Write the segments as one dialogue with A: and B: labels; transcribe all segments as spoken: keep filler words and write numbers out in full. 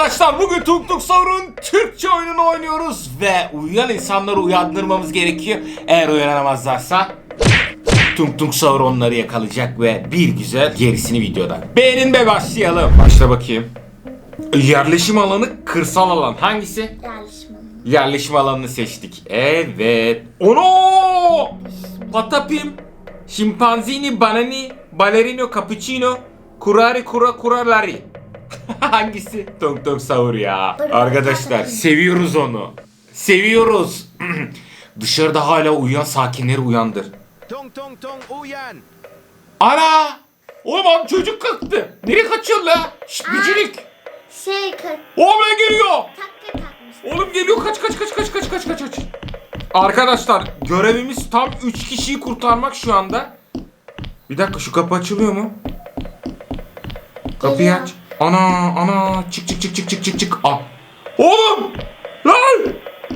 A: Arkadaşlar bugün Tung Tung Saur'un Türkçe oyununu oynuyoruz ve uyuyan insanları uyandırmamız gerekiyor. Eğer uyanamazlarsa Tung Tung Saur onları yakalayacak ve bir güzel gerisini videoda. Beğenin ve başlayalım. Başla bakayım. Yerleşim alanı, kırsal alan hangisi?
B: Yerleşim alanı.
A: Yerleşim alanını seçtik. Evet. Ono! Patapim, Şimpanzini, Banani, Balerino, Cappuccino, Kurari, Kura, Kuralari. Hangisi? Tung Tung Saur ya. Arkadaşlar seviyoruz onu. Seviyoruz. Dışarıda hala uyuyan sakinleri uyandır.
C: Tung tung tung uyan.
A: Ana! Oğlum abi çocuk kalktı. Nereye kaçıyorsun la? Şşt bicirik.
B: Şey kır.
A: Oğlum ne geliyor?
B: Takka takmış.
A: Oğlum geliyor, kaç kaç kaç kaç kaç kaç kaç kaç. Arkadaşlar görevimiz tam üç kişiyi kurtarmak şu anda. Bir dakika, şu kapı açılıyor mu? Kapıyı
B: Geliyor.
A: aç. Ana ana çık çık çık çık çık çık çık. Aa. Oğlum! Lan!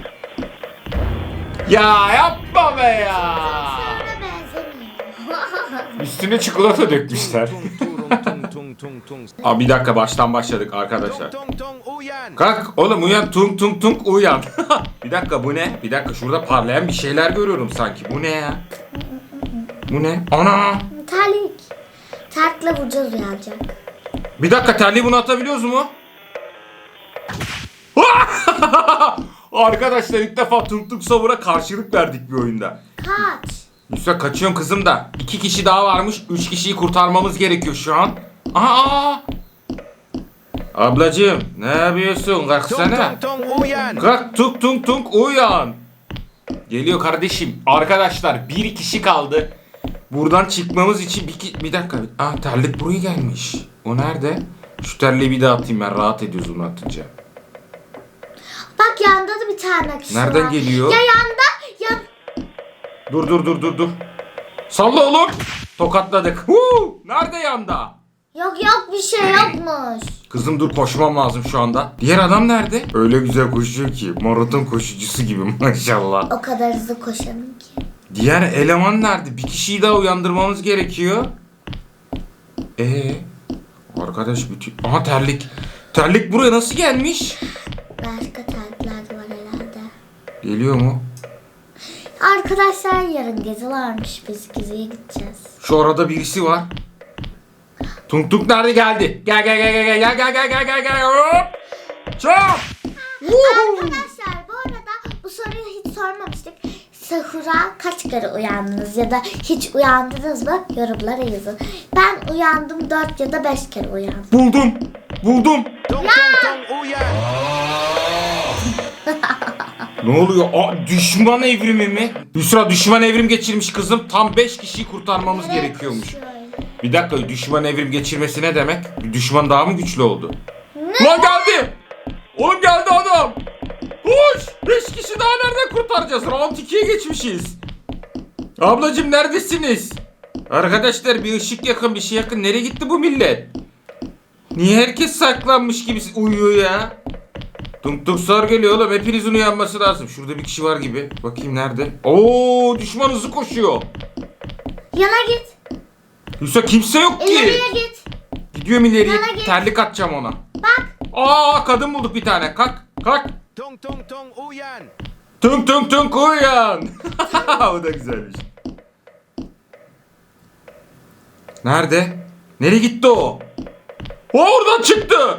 A: Ya yapma be ya.
B: Sana benzemiyor.
A: Üstüne çikolata dökmüşler.
C: Tung tung tung tung tung tung.
A: Aa, bir dakika, baştan başladık arkadaşlar.
C: Tung tung tung uyan.
A: Kalk oğlum, uyan, tung tung tung uyan. Bir dakika, bu ne? Bir dakika, şurada parlayan bir şeyler görüyorum sanki. Bu ne ya? Bu ne? Ana!
B: Terlik. Terlikle vuracağız uyanacak.
A: Bir dakika, terliği bunu atabiliyoruz mu? Arkadaşlar ilk defa Tung Tung Saur'a karşılık verdik bir oyunda.
B: Kaç.
A: Yusuf kaçıyorum kızım da. İki kişi daha varmış. Üç kişiyi kurtarmamız gerekiyor şu an. Aa! Ablacığım ne yapıyorsun?
C: Tung
A: Kalksana.
C: tung tung uyan.
A: Kalk, tung tung tung uyan. Geliyor kardeşim. Arkadaşlar bir kişi kaldı. Buradan çıkmamız için bir, ki- bir dakika. Aa, terlik buraya gelmiş. O nerede? Şu terliği bir daha atayım, ben rahat ediyoruz onu atınca.
B: Bak yanda da bir tane kişi
A: Nereden
B: var.
A: geliyor?
B: Ya yanda ya.
A: Dur dur dur dur dur. Salla oğlum. Tokatladık. Huu! Nerede yanda?
B: Yok yok bir şey yokmuş.
A: Kızım dur, koşmam lazım şu anda. Diğer adam nerede? Öyle güzel koşuyor ki. Maraton koşucusu gibi maşallah.
B: O kadar hızlı koşarım ki.
A: Diğer eleman nerede? Bir kişiyi daha uyandırmamız gerekiyor. Ee, arkadaş bütün... Aha terlik. Terlik buraya nasıl gelmiş?
B: Başka terlikler de var herhalde.
A: Geliyor mu?
B: Arkadaşlar yarın gezi varmış. Biz geziye gideceğiz.
A: Şu arada birisi var. Tung Tung nerede? Geldi. Gel gel gel gel gel gel gel gel gel gel. Hop! Çap!
B: Arkadaşlar bu arada bu soruyu hiç sormamıştık. Sahura kaç kere uyandınız ya da hiç uyandınız mı? Yorumlara yazın. Ben uyandım dört ya da beş kere uyandım.
A: Buldum. Buldum.
C: Tung tung tung uyan.
A: Ne oluyor? Aa, düşman evrimi mi? Hüsra düşman evrim geçirmiş kızım. Tam beş kişiyi kurtarmamız
B: Nereye
A: gerekiyormuş.
B: koşuyor öyle?
A: Bir dakika, düşman evrim geçirmesi ne demek? Bir düşman daha mı güçlü oldu? Lan geldi! Oğlum geldi adam! Koş! beş kişi daha nereden kurtaracağız? Round ikiye geçmişiz. Ablacım neredesiniz? Arkadaşlar bir ışık yakın, bir şey yakın. Nereye gitti bu millet? Niye herkes saklanmış gibi uyuyor ya? Tung Tung Saur geliyor oğlum. Hepinizin uyanması lazım. Şurada bir kişi var gibi. Bakayım nerede? Oo, düşman hızlı koşuyor.
B: Yana git.
A: Yoksa kimse yok ki.
B: İleriye git.
A: Gidiyorum ileriye.
B: Yana git.
A: Terlik atacağım ona.
B: Bak.
A: Aa, kadın bulduk bir tane. Kalk. Kalk.
C: Tung tung tung uyan.
A: Tung tung tung uyan. O da güzelmiş. Nerede? Nereye gitti o? O oradan çıktı.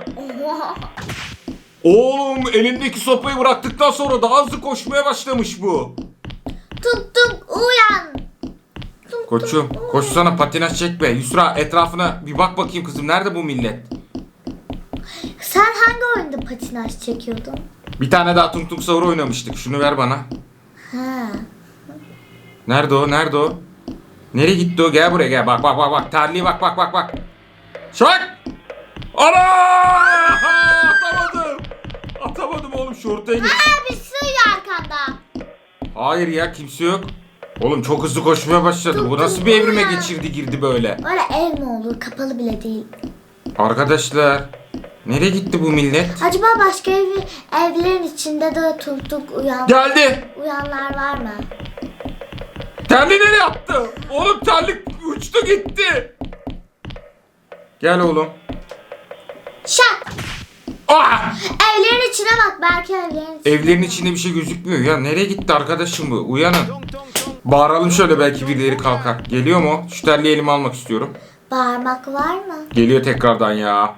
A: Oğlum elindeki sopayı bıraktıktan sonra daha hızlı koşmaya başlamış bu.
B: Tuk tuk uyan. Tuk
A: Koçum
B: tuk, uyan.
A: koşsana, patinaj çek be. Yusra etrafına bir bak bakayım kızım. Nerede bu millet?
B: Sen hangi oyunda patinaj çekiyordun?
A: Bir tane daha Tung Tung Saur oynamıştık. Şunu ver bana.
B: Ha.
A: Nerede o? Nerede o? Nereye gitti o? Gel buraya gel. Bak bak bak bak. Terliğe bak bak bak bak. Şak! Ana! Atamadım. Atamadım oğlum, şu ortaya git.
B: Aa, bir sığıyor arkanda.
A: Hayır ya, kimse yok. Oğlum çok hızlı koşmaya başladı. Bu nasıl bir evrime geçirdi girdi böyle.
B: Öyle ev mi olur? Kapalı bile değil.
A: Arkadaşlar nereye gitti bu millet?
B: Acaba başka ev, evlerin içinde de tuk tuk uyan,
A: Geldi.
B: uyanlar var mı?
A: Terliği nereye attı? Oğlum terlik uçtu gitti. Gel oğlum.
B: Şak.
A: Ah!
B: Evlerin içine bak, belki evlerin içine.
A: Evlerin içinde bir şey gözükmüyor ya. Nereye gitti arkadaşım bu? Uyanın.
C: Tung tung tung.
A: Bağıralım şöyle, belki birileri kalkar. Geliyor mu? Şu terliği elime almak istiyorum.
B: Bağırmak var mı?
A: Geliyor tekrardan ya.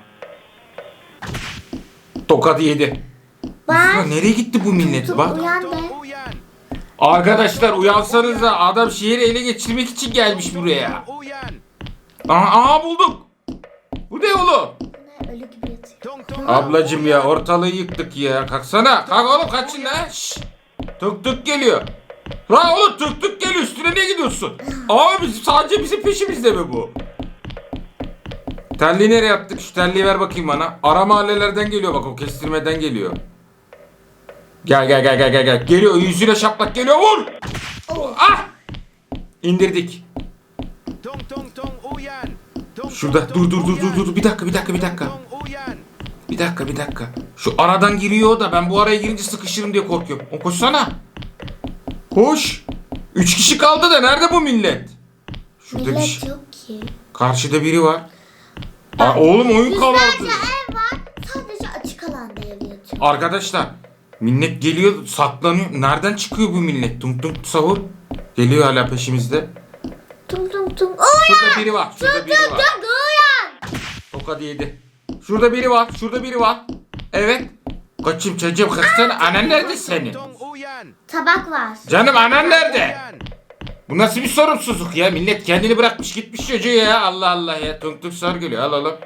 A: Tokat yedi.
B: Var.
A: Ya nereye gitti bu millet?
B: Tut,
A: Bak.
B: uyan de.
C: Tung uyan.
A: Arkadaşlar uyansanız da, adam şehri ele geçirmek için gelmiş buraya.
C: Uyan.
A: Aha, aha bulduk. Bu ne oğlum?
B: Ne, ölü gibi yatıyor.
C: Tung tung.
A: Ablacım ya, ortalığı yıktık ya. Kalksana. Kalk oğlum, kaçın lan. Şşş. Tık tık geliyor. Lan oğlum, tık tık geliyor. Üstüne ne gidiyorsun? Abi bizim, sadece bizim peşimizde mi bu? Terliği nereye attık? Şu terliği ver bakayım bana. Ara mahallelerden geliyor bak, o kestirmeden geliyor. Gel gel gel gel gel gel. Geliyor, yüzüne şaplak geliyor, vur. Ah! İndirdik.
C: Tung tung tung uyan. Tung
A: Şurada dur dur dur dur dur. Bir dakika bir dakika bir dakika.
C: tung uyan.
A: Bir dakika bir dakika. Şu aradan giriyor da ben bu araya girince sıkışırım diye korkuyorum. O koşsana. Koş. Üç kişi kaldı da nerede bu millet? Şurada bir
B: Millet
A: şey.
B: yok ki.
A: Karşıda biri var. Aa, oğlum oyun kalandı.
B: Yüzlerce ev var. Sadece açık alanda ev yatıyor.
A: Arkadaşlar millet geliyor, saklanıyor. Nereden çıkıyor bu millet? Tum tum sahur. Geliyor hala peşimizde.
B: Tum tum tum. Uyan.
A: Şurada biri var. Şurada
B: Tum
A: biri
B: tum
A: var.
B: tum uyan.
A: Tokat yedi. Şurada biri var. Şurada biri var. Evet. Kaçım çocuğum, kalksana. Anan nerede senin?
C: Tung uyan.
B: Tabak var.
A: Canım, anan nerede?
C: Uyan.
A: Bu nasıl bir sorumsuzluk ya? Millet kendini bırakmış gitmiş çocuğu ya. Allah Allah ya. Tunk tunk sar geliyor. Al oğlum.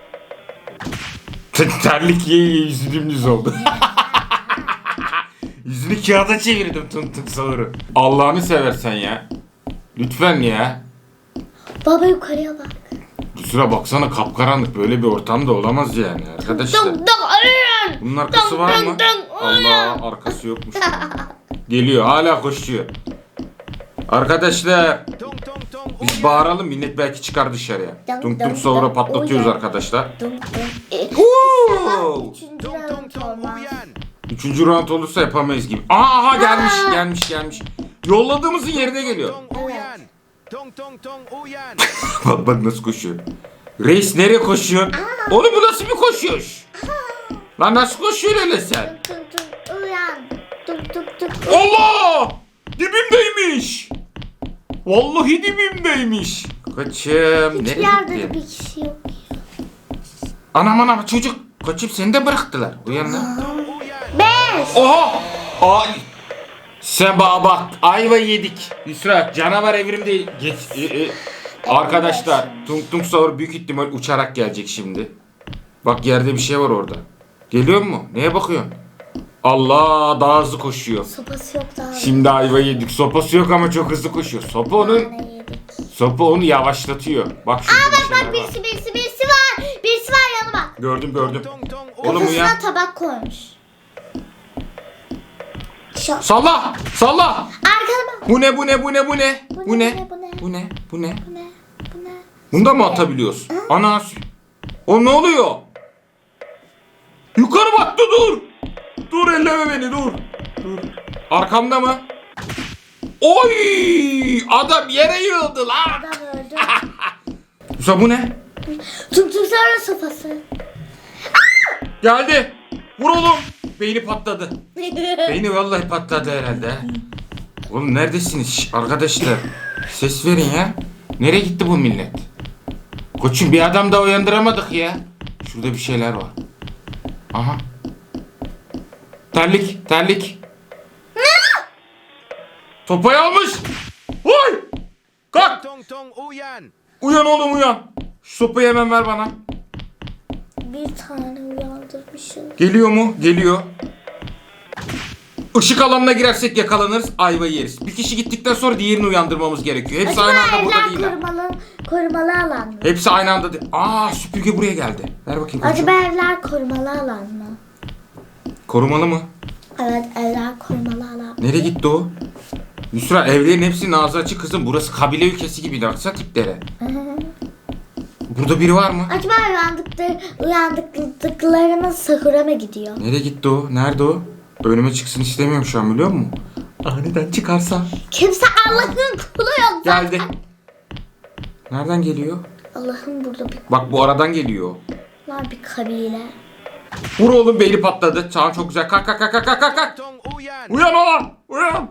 A: Terlik ye ye yüzü dümdüz oldu. Yüzünü kağıda çevirdim tunk tunk sarı. Allah'ını seversen ya. Lütfen ya.
B: Baba yukarıya bak.
A: Kusura baksana, kapkaranlık, böyle bir ortamda olamaz yani arkadaşlar.
B: Tum tum uyan.
A: Bunun arkası var mı? Allah, arkası yokmuş. Geliyor, hala koşuyor. Arkadaşlar
C: Tung tung tung
A: biz
C: uyan.
A: bağıralım, millet belki çıkar dışarıya.
B: Dum
A: Tung
B: dum
A: tung sonra
B: dum,
A: patlatıyoruz
B: uyan.
A: arkadaşlar.
B: Tum tum. E,
A: Oo!
B: Üçüncü
C: Tung tung
B: round
C: tung
B: olmaz.
C: uyan.
A: Üçüncü round olursa yapamayız gibi. Aa, aha gelmiş gelmiş gelmiş. Yolladığımızın yerine geliyor.
C: Tung uyan. Tung tung tung uyan.
A: Bak bak nasıl koşuyor. Reis nereye koşuyor? Oğlum bu nasıl bir koşuyor? Lan nasıl koşuyor öyle sen?
B: Tum tum uyan. Tum tum tum.
A: Allah! Dibimdeymiş. Vallahi dibimdeymiş. Kaçım.
B: Hiçbir
A: Nereye
B: yerde de
A: gitti?
B: bir kişi yok.
A: Anam anam çocuk. Kaçıp seni de bıraktılar. Uyan lan.
C: Tung uyan.
B: Beş.
A: Oha! Ay! Sen bana bak. Ayva yedik. Yusra canavar evrimde geç. e, e. Arkadaşlar Tung Tung Sahur büyük ihtimal uçarak gelecek şimdi. Bak yerde bir şey var orada. Geliyor mu? Neye bakıyorsun? Allah, daha hızlı koşuyor.
B: Sopası yok daha.
A: Şimdi ayva yedik. Sopası yok ama çok hızlı koşuyor. Sopa onun,
B: Ne yedik?
A: sopa onu yavaşlatıyor. Bak şurada bir şeyler
B: Bak
A: var.
B: birisi birisi birisi var. Birisi var yanıma bak.
A: Gördüm gördüm.
C: Tung tung
A: Oğlum
C: uyan.
A: uyan.
B: Kafasına tabak koymuş. Şu
A: Salla! Salla!
B: arkada bak.
A: Bu ne bu ne bu ne bu ne?
B: Bu
A: Bu
B: ne,
A: ne?
B: bu ne?
A: Bu ne? Bu ne?
B: Bu ne? Bu ne?
A: Bunda mı atabiliyoruz? Ana. O ne oluyor? Yukarı baktı, dur. Dur, elleme beni, dur. Dur. Arkamda mı? Oy! Adam yere yığıldı lan.
B: Adam öldü.
A: Musa bu ne?
B: Tum tum sonra sopası.
A: Geldi. Vur oğlum. Beyni patladı. Beyni vallahi patladı herhalde. Oğlum neredesiniz Şş, arkadaşlar? Ses verin ya. Nereye gitti bu millet? Koçum bir adam daha uyandıramadık ya. Şurada bir şeyler var. Aha. Terlik, terlik. Topayı almış. Oy! Kalk.
C: Tung tung uyan.
A: Uyan oğlum uyan. Şu sopayı hemen ver bana.
B: Bir tane uyandırmışım.
A: Geliyor mu? Geliyor. Işık alanına girersek yakalanırız, ayva yeriz. Bir kişi gittikten sonra diğerini uyandırmamız gerekiyor. Hepsi
B: Acaba
A: aynı anda burada
B: evler
A: değiller.
B: korumalı, korumalı alan mı?
A: Hepsi aynı anda değil. Aa, süpürge buraya geldi. Ver bakayım koçum.
B: Acaba evler korumalı alan mı?
A: Korumalı mı?
B: Evet, evler korumalı alan.
A: Nereye gitti o? Yusra, evlerin hepsinin ağzı açık kızım. Burası kabile ülkesi gibi. Baksana tiplere. Burada biri var mı?
B: Acaba uyandıkları, uyandıklarımız sahura mı gidiyor?
A: Nereye gitti o? Nerede o? Önüme çıksın istemiyorum şu an, biliyor musun? Aniden çıkarsa.
B: Kimse Allah'ın kulu yok zaten.
A: Geldi. Nereden geliyor?
B: Allah'ın burada bir,
A: Bak bu aradan geliyor.
B: var bir kabile.
A: Vur oğlum, beyni patladı. Tamam, çok güzel. Kalk kalk kalk kalk kalk kalk.
C: Tong uyan.
A: Uyan oğlum, uyan.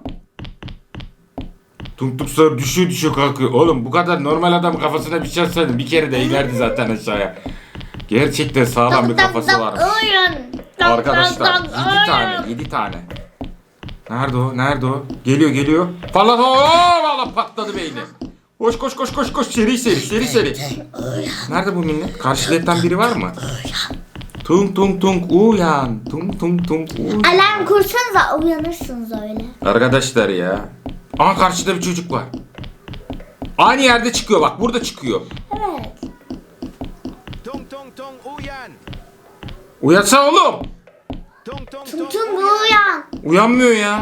A: Tung tung sahur düşüyor düşüyor kalkıyor. Oğlum bu kadar normal adam kafasına bir şey atsaydın bir kere de inerdi zaten aşağıya. Gerçekten sağlam bir kafası varmış. Arkadaşlar yedi tane yedi tane. Nerede o? Nerede o? Geliyor geliyor. Patladı. Oo, valla patladı beyni. Koş koş koş koş koş, seri seri seri seri. Nerede bu millet? Karşıletten biri var mı? Tung tung tung uyan. Tung tung tung uyan.
B: Alarm kursanıza uyanırsınız öyle.
A: Arkadaşlar ya. Aa, karşıda bir çocuk var. Aynı yerde çıkıyor bak, burada çıkıyor.
B: Evet.
C: Tong tong tong uyan.
A: Uyansana oğlum.
C: Tong tong
B: Tum
C: tong
B: tum
C: uyan.
B: uyan.
A: Uyanmıyor ya.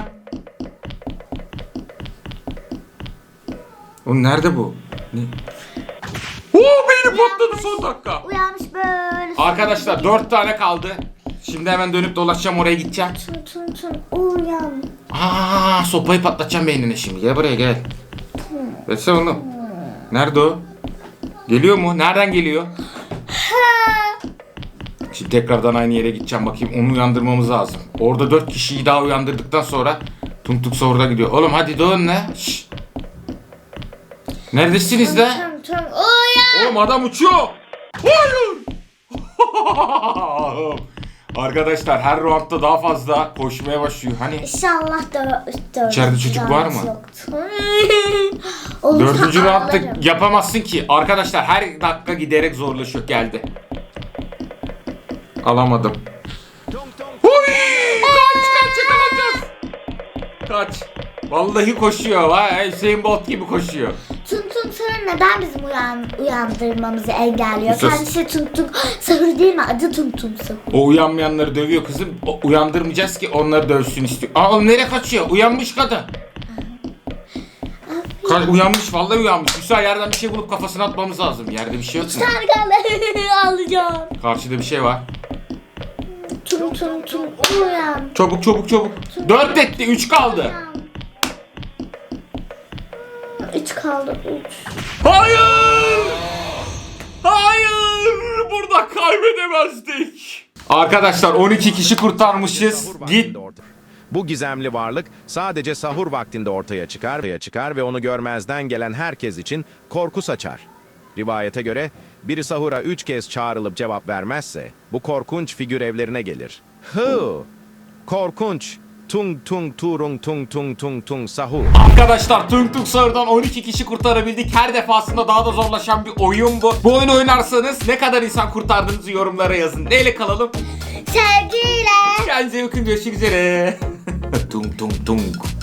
A: Oğlum nerede bu? Ne? Oo, beyni patladı son dakika.
B: Uyanmış böyle.
A: Arkadaşlar dört tane kaldı. Şimdi hemen dönüp dolaşacağım, oraya gideceğim.
B: Tum tum tum uyan.
A: Aa, sopayı patlatacağım beynine şimdi. Gel buraya gel. Versene oğlum. Nerede o? Geliyor mu? Nereden geliyor? Şimdi tekrardan aynı yere gideceğim, bakayım onu uyandırmamız lazım. Orada dört kişiyi daha uyandırdıktan sonra Tung Tung Sahur'da gidiyor. Oğlum hadi dön lan. Şşş. Neredesiniz lan?
B: Tum tum uyan.
A: Oğlum adam uçuyor. Hayır. Arkadaşlar her roundda daha fazla koşmaya başlıyor. Hani
B: İnşallah dö dördüncü
A: İçeride çocuk var mı?
B: yoktur. Olursa
A: dördüncü roundda
B: ağlarım.
A: yapamazsın ki. Arkadaşlar her dakika giderek zorlaşıyor. Geldi. Alamadım.
C: Tong tong.
A: Huy! Kaç kaç, yakalanacağız. Kaç. Vallahi koşuyor. Vay, Hüseyin Bolt gibi koşuyor.
B: Tum tum sahur neden bizim uyan uyandırmamızı engelliyor?
A: Sus.
B: Kendisi tum tum sahur değil mi? Adı tum tum sahur.
A: O uyanmayanları dövüyor kızım. O, uyandırmayacağız ki onları dövsün istiyor. Aa, oğlum nereye kaçıyor? Uyanmış kadın. Ka- uyanmış, vallahi uyanmış. Hüsa, yerden bir şey bulup kafasına atmamız lazım. Yerde bir şey yok mu?
B: Sargalı alacağım.
A: Karşıda bir şey var.
B: Tum tum tum uyan.
A: Çabuk çabuk çabuk. Dört etti, üç kaldı.
B: Üç kaldı. Üç.
A: Hayır! Hayır! Burada kaybedemezdik. Arkadaşlar on iki kişi kurtarmışız.
C: Sahur
A: Git.
C: vaktinde orta- Bu gizemli varlık sadece sahur vaktinde ortaya çıkar, ortaya çıkar ve onu görmezden gelen herkes için korku saçar. Rivayete göre biri sahura üç kez çağrılıp cevap vermezse bu korkunç figür evlerine gelir. Hı! Korkunç! Tung tung turung tung tung tung tung sahur.
A: Arkadaşlar Tung Tung Sahur'dan on iki kişi kurtarabildik. Her defasında daha da zorlaşan bir oyun bu. Bu oyunu oynarsanız ne kadar insan kurtardığınızı yorumlara yazın. Neyle kalalım?
B: Sevgiyle.
A: Kendinize bakın, görüşmek üzere. Tung tung tung.